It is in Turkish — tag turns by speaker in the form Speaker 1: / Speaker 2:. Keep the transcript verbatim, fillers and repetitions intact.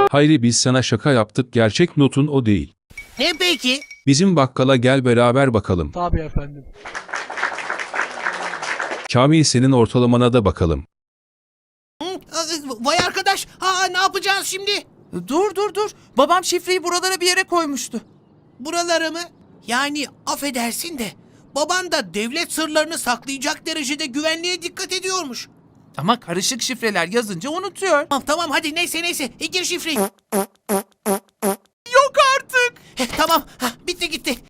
Speaker 1: Hayri biz sana şaka yaptık, gerçek notun o değil.
Speaker 2: Ne peki?
Speaker 1: Bizim bakkala gel beraber bakalım.
Speaker 3: Tabii efendim.
Speaker 1: Kamil senin ortalamana da bakalım.
Speaker 2: Hı? Aa, Vay arkadaş. Ha, ne yapacağız şimdi?
Speaker 4: Dur dur dur. Babam şifreyi buralara bir yere koymuştu.
Speaker 2: Buraları mı? Yani affedersin de baban da devlet sırlarını saklayacak derecede güvenliğe dikkat ediyormuş.
Speaker 4: Ama karışık şifreler yazınca unutuyor.
Speaker 2: Tamam tamam hadi neyse neyse. E, gir şifreyi.
Speaker 4: Yok artık.
Speaker 2: Heh, tamam. Hah, bitti gitti.